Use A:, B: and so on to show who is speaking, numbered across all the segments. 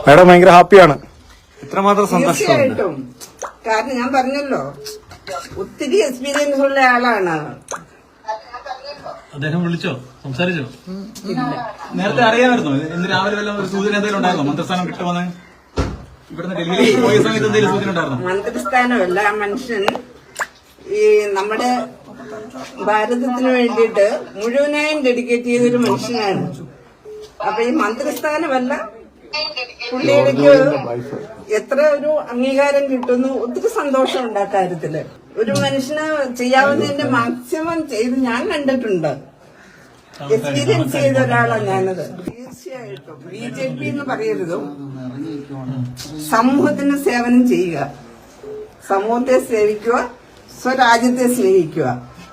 A: Madam ഭയങ്കര ഹാപ്പിയാണ്.
B: ഇത്രമാത്രം സന്തോഷം.
C: തീർച്ചയായിട്ടും. കാരണം ഞാൻ പറഞ്ഞല്ലോ, ഒത്തിരി എക്സ്പീരിയൻസ് ഉള്ള ആളാണ്.
D: അദ്ദേഹം വിളിച്ചോ, സംസാരിച്ചോ?
B: നേരത്തെ അറിയാമായിരുന്നു? ഇന്ന് രാവിലെ വല്ല ഒരു സൂചന എന്തെങ്കിലും ഉണ്ടായിരുന്നോ? മന്ത്രിസ്ഥാനം കിട്ടുമെന്ന് ഇവിടുന്ന് ഡൽഹിയിൽ പോയ സമയത്ത് എന്തെങ്കിലും സൂചന ഉണ്ടായിരുന്നോ?
C: മന്ത്രിസ്ഥാനമല്ല, ആ മനുഷ്യൻ ഈ നമ്മുടെ ഭാരതത്തിന് വേണ്ടിയിട്ട് മുഴുവനായും ഡെഡിക്കേറ്റ് ചെയ്തൊരു മനുഷ്യനാണ്. അപ്പൊ ഈ മന്ത്രിസ്ഥാനമല്ല, പുള്ളിയിലേക്ക് എത്ര ഒരു അംഗീകാരം കിട്ടുന്നു. ഒത്തിരി സന്തോഷമുണ്ട് ആ കാര്യത്തില്. ഒരു മനുഷ്യന് ചെയ്യാവുന്നതിന്റെ മാക്സിമം ചെയ്ത് ഞാൻ കണ്ടിട്ടുണ്ട്. എക്സ്പീരിയൻസ് ചെയ്ത ഒരാളാണ് ഞാനത്. തീർച്ചയായിട്ടും BJP എന്ന് പറയരുത്, സമൂഹത്തിന് സേവനം ചെയ്യുക, സമൂഹത്തെ സേവിക്കുക, സ്വരാജ്യത്തെ സ്നേഹിക്കുക.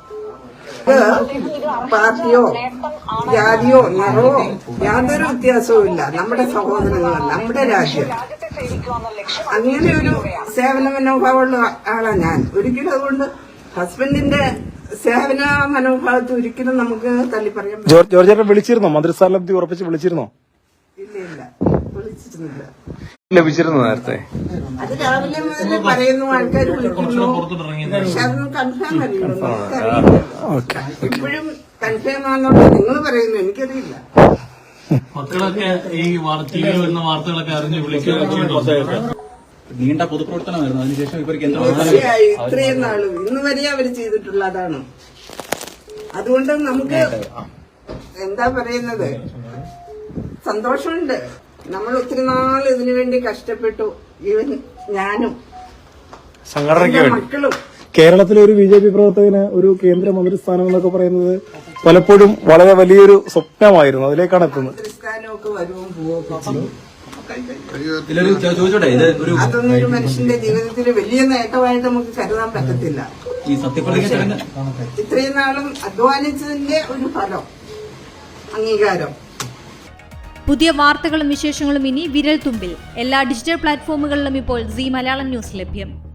C: പാർട്ടിയോ ജാതിയോ നിറവോ യാതൊരു വ്യത്യാസവും ഇല്ല. നമ്മുടെ സഹോദരങ്ങളാണ്, നമ്മുടെ രാജ്യം. അങ്ങനെ ഒരു സേവന മനോഭാവമുള്ള ആളാണ് ഞാൻ. ഒരിക്കലും അതുകൊണ്ട് ഹസ്ബൻഡിന്റെ സേവന മനോഭാവത്തെ ഒരിക്കലും നമുക്ക് തള്ളി പറയാൻ പറ്റില്ല.
A: ജോർജ് ചേട്ടൻ വിളിച്ചിരുന്നോ? മന്ത്രിസ്ഥാനം ഉറപ്പിച്ച് വിളിച്ചിരുന്നോ?
C: ഇല്ല, വിളിച്ചിരുന്നില്ല.
A: ലഭിച്ചിരുന്നു നേരത്തെ.
C: അത് രാവിലെ മുതൽ പറയുന്നു, ആൾക്കാർ വിളിക്കുന്നു, പക്ഷെ അതൊന്നും കൺഫേം അറിയുന്നു. ഇപ്പോഴും കൺഫേം ആണെന്നുള്ളത് നിങ്ങൾ പറയുന്നു, എനിക്കറിയില്ല.
D: മക്കളൊക്കെ ഈ ടിവിയിൽ വരുന്ന വാർത്തകളൊക്കെ അറിഞ്ഞ് വിളിക്കുക.
B: നീണ്ട പൊതുപ്രവർത്തനമായിരുന്നു. അതിനുശേഷം ഇവർക്ക്
C: ഇത്രയും നാളും ഇന്ന് വരെ അവർ ചെയ്തിട്ടുള്ള അതാണ്. അതുകൊണ്ട് നമുക്ക് എന്താ പറയുന്നത്, സന്തോഷമുണ്ട്. നമ്മൾ ഒത്തിരി നാൾ ഇതിനു വേണ്ടി കഷ്ടപ്പെട്ടു. ഈവൻ ഞാനും
A: സംഘടനയ്ക്ക്
C: മക്കളും.
A: കേരളത്തിലെ ഒരു BJP പ്രവർത്തകന് ഒരു കേന്ദ്ര മന്ത്രിസ്ഥാനം എന്നൊക്കെ പറയുന്നത് പലപ്പോഴും വളരെ വലിയൊരു സ്വപ്നമായിരുന്നു. അതിലേക്കാണ് എത്തുന്നത്.
C: മന്ത്രിസ്ഥാനമൊക്കെ വരുവും പോവൊക്കെ.
B: ചോദിച്ചോട്ടെ, ഇത്
C: അതൊന്നും ഒരു മനുഷ്യന്റെ ജീവിതത്തിൽ വലിയ നേട്ടമായിട്ട് നമുക്ക് കരുതാൻ പറ്റത്തില്ല.
B: ഈ സത്യപ്രതിജ്ഞ
C: ഇത്രയും നാളും അധ്വാനിച്ചതിന്റെ ഒരു ഫലം, അംഗീകാരം.
E: പുതിയ വാർത്തകളും വിശേഷങ്ങളും ഇനി വിരൽ തുമ്പിൽ. എല്ലാ ഡിജിറ്റൽ പ്ലാറ്റ്ഫോമുകളിലും ഇപ്പോൾ സീ മലയാളം ന്യൂസ് ലഭ്യം.